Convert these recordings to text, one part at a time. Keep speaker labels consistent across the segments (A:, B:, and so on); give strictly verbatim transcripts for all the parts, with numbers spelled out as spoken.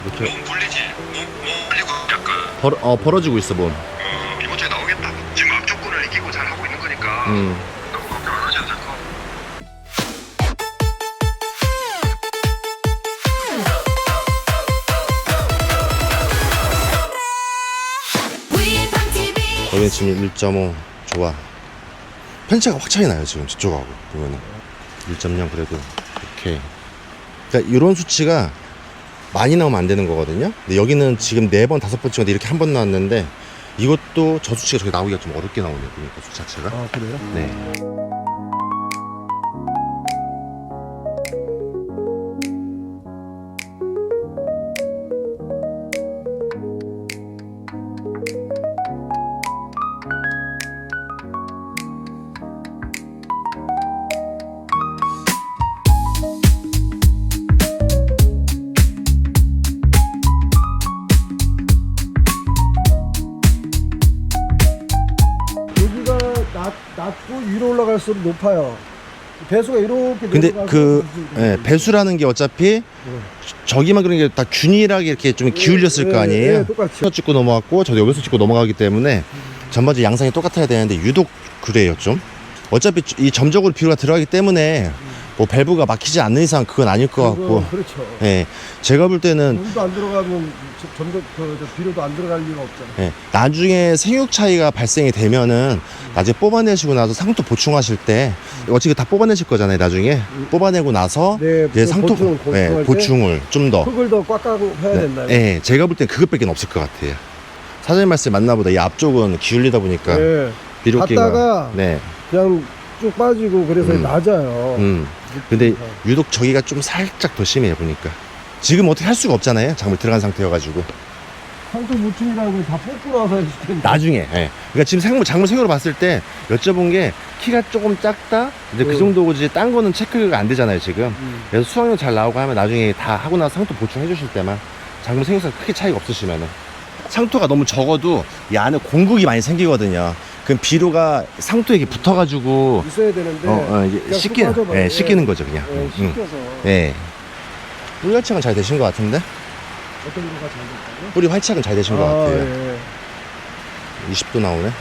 A: 이렇게
B: 몸 불리지? 몸, 몸 불리고 약간
A: 벌, 어, 벌어지고 있어 몸.
B: 어, 이번 주에 나오겠다. 지금 악조건을 이기고 잘 하고 있는 거니까
A: 음.
B: 너무 걱정 안 하셔도 될 것 같고.
A: 거기는 지금 일 점 오 좋아. 편차가 확 차이 나요 지금 저쪽하고 보면은 일 점 영 그래도 오케이. 그러니까 이런 수치가 많이 나오면 안 되는 거거든요. 근데 여기는 지금 네 번 다섯 번 찍었는데 이렇게 한 번 나왔는데 이것도 저 수치가 저기 나오기가 좀 어렵게 나오네요. 그러니까 수 자체가.
C: 아 그래요?
A: 네.
C: 여기가 낮, 낮고 위로 올라갈수록 높아요. 배수가 이렇게
A: 근데
C: 내려가서
A: 그
C: 이렇게
A: 예, 배수라는 게 어차피 저기만 그런 게 다 균일하게 이렇게 좀 기울였을
C: 예,
A: 거 아니에요.
C: 예, 똑같이.
A: 여기서 찍고 넘어갔고 저도 여기서 찍고 넘어가기 때문에 전반적인 양상이 똑같아야 되는데 유독 그래요 좀. 어차피 이 점적으로 비료가 들어가기 때문에 뭐 밸브가 막히지 않는 이상 그건 아닐 것 같고.
C: 그렇죠.
A: 예, 제가 볼 때는
C: 물도 안 들어가면 저- 점점 그, 저 비료도 안 들어갈 리가 없잖아요.
A: 예, 나중에 생육 차이가 발생이 되면은 나중에 뽑아내시고 나서 상토 보충하실 때 어차피 다 뽑아내실 거잖아요. 나중에 뽑아내고 나서
C: 네,
A: 이제 상토
C: 보충,
A: 예,
C: 보충할 때
A: 보충을 좀 더.
C: 흙을 더 꽉 까고 해야 된다.
A: 예, 제가 볼 땐 그것밖에 없을 것 같아요. 사장님 말씀 맞나 보다. 이 앞쪽은 기울이다 보니까
C: 네.
A: 비료기가
C: 갔다가
A: 네,
C: 그냥 쭉 빠지고 그래서
A: 음.
C: 낮아요.
A: 음. 근데 유독 저기가 좀 살짝 더 심해요 보니까. 지금 어떻게 할 수가 없잖아요. 작물 들어간 상태여가지고.
C: 상토 보충이라는 걸 다 뽑고 나서 했을 텐데.
A: 나중에. 예. 그러니까 지금 생물 작물 생으로 봤을 때 여쭤본 게 키가 조금 작다. 이제 그
C: 음.
A: 정도지. 딴 거는 체크가 안 되잖아요 지금.
C: 음.
A: 그래서 수확량 잘 나오고 하면 나중에 다 하고 나서 상토 보충해 주실 때만 작물 생육상 크게 차이가 없으시면은 상토가 너무 적어도 이 안에 공국이 많이 생기거든요. 그럼 비료가 상토에 이렇게 붙어가지고
C: 있어야 되는데
A: 어, 어, 이게
C: 그냥
A: 씻기는,
C: 쑥 빠져버려요.
A: 예, 씻기는 거죠 그냥.
C: 예,
A: 음,
C: 씻겨서
A: 예. 뿌리 활착은 잘 되신 것 같은데?
C: 어떤 거가 잘 됐다고요?
A: 뿌리 활착은 잘 되신 것 같아요.
C: 예.
A: 이십 도 나오네.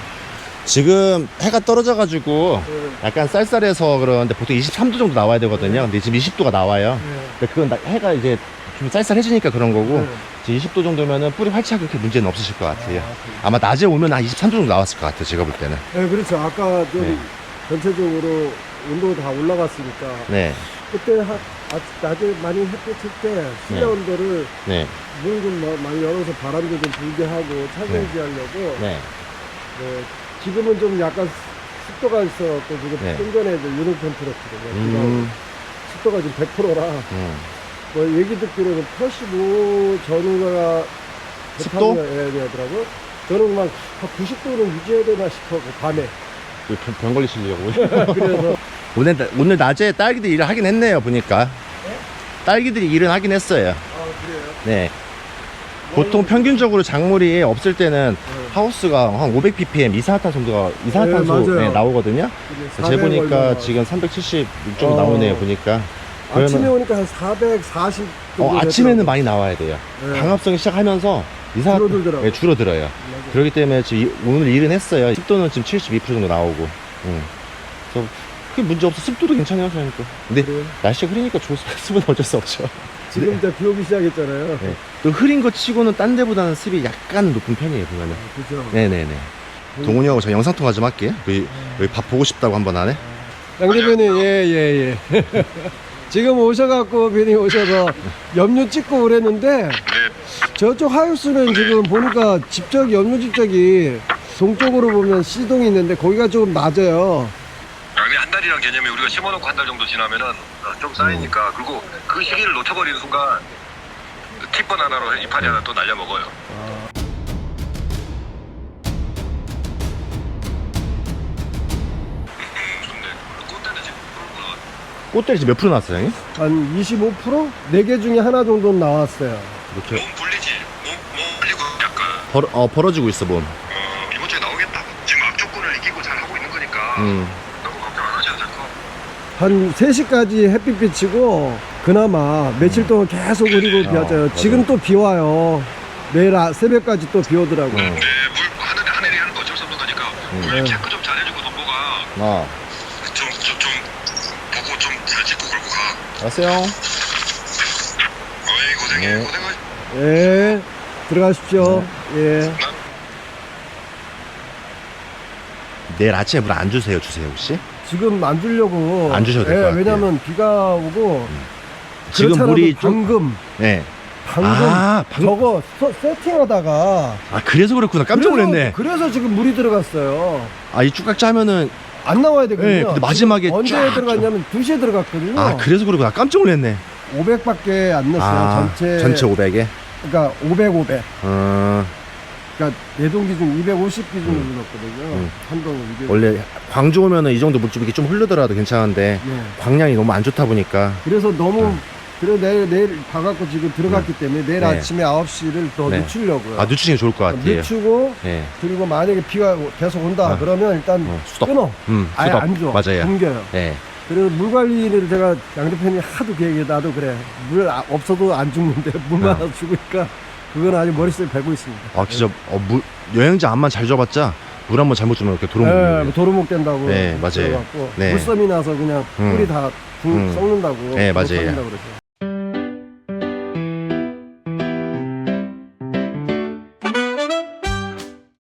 A: 지금 해가 떨어져가지고
C: 예.
A: 약간 쌀쌀해서 그러는데 보통 이십삼 도 정도 나와야 되거든요. 근데 지금 이십 도가 나와요.
C: 예.
A: 근데 그건 나- 해가 이제 좀 쌀쌀해지니까 그런 거고
C: 네.
A: 지금 이십 도 정도면은 뿌리 활착 그렇게 문제는 없으실 것 같아요.
C: 아,
A: 아마 낮에 오면 한 이십삼 도 정도 나왔을 것 같아요. 제가 볼 때는.
C: 네, 그렇죠. 아까 좀
A: 네.
C: 전체적으로 온도가 다 올라갔으니까
A: 네,
C: 그때 하, 아, 낮에 많이 햇빛 칠 때 실내
A: 네.
C: 온도를
A: 네,
C: 물 좀 많이 열어서 바람도 좀 불게 하고 차지하게 하려고
A: 네.
C: 네, 지금은 좀 약간 습도가 있어갖고 지금
A: 네.
C: 좀 전에 유능 템프였거든요.
A: 음,
C: 습도가 지금 백 퍼센트라
A: 음.
C: 뭐 얘기 듣기로는 팔십오 전후가
A: 습도?
C: 해야 되더라고. 저는 막 구십 도는 유지해야 되나 싶어 밤에.
A: 병, 병 걸리시려고.
C: 그래서
A: 오늘, 나- 오늘 낮에 딸기들이 일을 하긴 했네요, 보니까. 딸기들이 일은 하긴 했어요.
C: 아 그래요.
A: 네. 보통 평균적으로 작물이 없을 때는
C: 네.
A: 하우스가 한 오백 피피엠 이산화탄 정도가 이산화탄소
C: 네, 맞아요.
A: 나오거든요.
C: 이게
A: 제 보니까
C: 얼마나.
A: 지금 삼백칠십 정도
C: 어.
A: 나오네요, 보니까.
C: 아침에
A: 그러면-
C: 오니까 한 사백사십 정도
A: 어, 아침에는
C: 되더라고요.
A: 많이 나와야 돼요.
C: 네.
A: 광합성이 시작하면서 이산화탄
C: 줄어들더라고요.
A: 네, 줄어들어요.
C: 맞아요.
A: 그렇기 때문에 지금 이- 오늘 일은 했어요. 습도는 지금 칠십이 퍼센트 정도 나오고. 응. 그래서 크게 문제 없어. 습도도 괜찮아요, 저니까. 근데
C: 그래요?
A: 날씨가 흐리니까 좋을 습은 어쩔 수 없죠.
C: 지금 이제 비 오기 시작했잖아요.
A: 네. 또 흐린 거 치고는 딴 데보다는 습이 약간 높은 편이에요, 보면은.
C: 그죠.
A: 네네네. 동훈이 형하고 저 영상통화 좀 할게요. 여기, 여기 밥 보고 싶다고 한 번 하네.
C: 양 대표님, 예, 예, 예. 지금 오셔갖고, 비님 오셔서 염료 찍고 그랬는데, 저쪽 하우스는 지금 보니까 집적, 염료 집적이 동쪽으로 보면 C동이 있는데, 거기가 조금 낮아요.
B: 여기 한 달이란 개념이 우리가 심어놓고 한 달 정도 지나면은 어, 좀 쌓이니까 그리고 그 시기를 놓쳐버리는 순간 팁번 하나로 이파리 하나 또 날려먹어요. 음, 좋네. 꽃대는 지금 프로구나.
A: 꽃들이 지금 몇 프로 나왔어요, 형님?
C: 한 이십오 퍼센트? 네 개 중에 하나 정도는 나왔어요.
A: 이렇게
B: 몸 불리지? 몸, 몸 불리고 약간
A: 벌, 어, 벌어지고 있어, 몸.
B: 어, 이번 주에 나오겠다. 지금 악조건을 이기고 잘 하고 있는 거니까
A: 음.
B: 너무 걱정 안 하셔도 될 것 같고.
C: 한 세 시까지 햇빛 비치고, 그나마 며칠 동안 계속 흐리고
A: 어,
C: 비왔잖아요.
A: 맞아요.
C: 지금 또 비 와요. 내일 아, 새벽까지 또 비 오더라고요.
A: 음.
B: 네, 물 하늘에 하늘이 하는 거 어쩔 수 없는 거니까 물
C: 네.
B: 체크 좀 잘해주고 동보가
A: 아,
B: 좀좀 좀 보고 좀 잘 짚고 걸고 가.
A: 알았어요.
B: 어이 고생해
A: 네.
B: 고생해.
C: 예, 들어가십시오. 예.
A: 내일 아침에 물 안 주세요, 주세요 혹시?
C: 지금 안 주려고.
A: 안 주셔도 될것
C: 예,
A: 같아요.
C: 왜냐면 비가 오고.
A: 지금
C: 그렇잖아도
A: 물이 좀-
C: 방금,
A: 네.
C: 방금
A: 아, 방금-
C: 저거 서- 세팅하다가.
A: 아 그래서 그렇구나. 깜짝
C: 그래서-
A: 놀랐네.
C: 그래서 지금 물이 들어갔어요.
A: 아 이 쭉깍 짜면은
C: 안 나와야 되거든요.
A: 네, 근데 마지막에
C: 지금 언제
A: 쫙
C: 들어갔냐면 두 시에 들어갔거든요.
A: 아 그래서 그렇구나. 깜짝 놀랐네.
C: 오백밖에 안 넣었어요.
A: 아
C: 전체.
A: 전체 오백에.
C: 그러니까 오백, 오백.
A: 어
C: 그러니까 내동 기준 이백오십 기준으로
A: 음.
C: 넣었거든요.
A: 음.
C: 한동은 이게.
A: 원래 광주 오면은 이 정도 물줄기 좀 흐르더라도 괜찮은데
C: 네.
A: 광량이 너무 안 좋다 보니까.
C: 그래서 너무
A: 음.
C: 그래 내일 내일 봐갖고 지금 들어갔기 때문에 내일
A: 네.
C: 아침에 아홉 시를 더
A: 네.
C: 늦추려고요.
A: 아 늦추는 게 좋을 것 같아요.
C: 늦추고
A: 예.
C: 그리고 만약에 비가 계속 온다
A: 아.
C: 그러면 일단
A: 어, 수덕.
C: 끊어.
A: 음,
C: 아예
A: 수덕.
C: 안 줘.
A: 맞아요.
C: 굶겨요.
A: 예.
C: 그래서 물 관리를 제가 양 대표님이 하도 계획해 나도 그래. 물 아- 없어도 안 죽는데 물만
A: 어.
C: 죽으니까 그건 아주 머릿속에 배고 있습니다.
A: 아 진짜 어, 물 여행지 안만 잘 줘봤자 물 한 번 잘못 주면 이렇게
C: 예,
A: 도롱.
C: 뭐 도루묵 된다고.
A: 네, 맞아요.
C: 들어갔고
A: 네.
C: 물섬이 나서 그냥
A: 음.
C: 꿀이 다 죽-
A: 음.
C: 썩는다고.
A: 네, 맞아요.
C: 썩는다고 그러죠.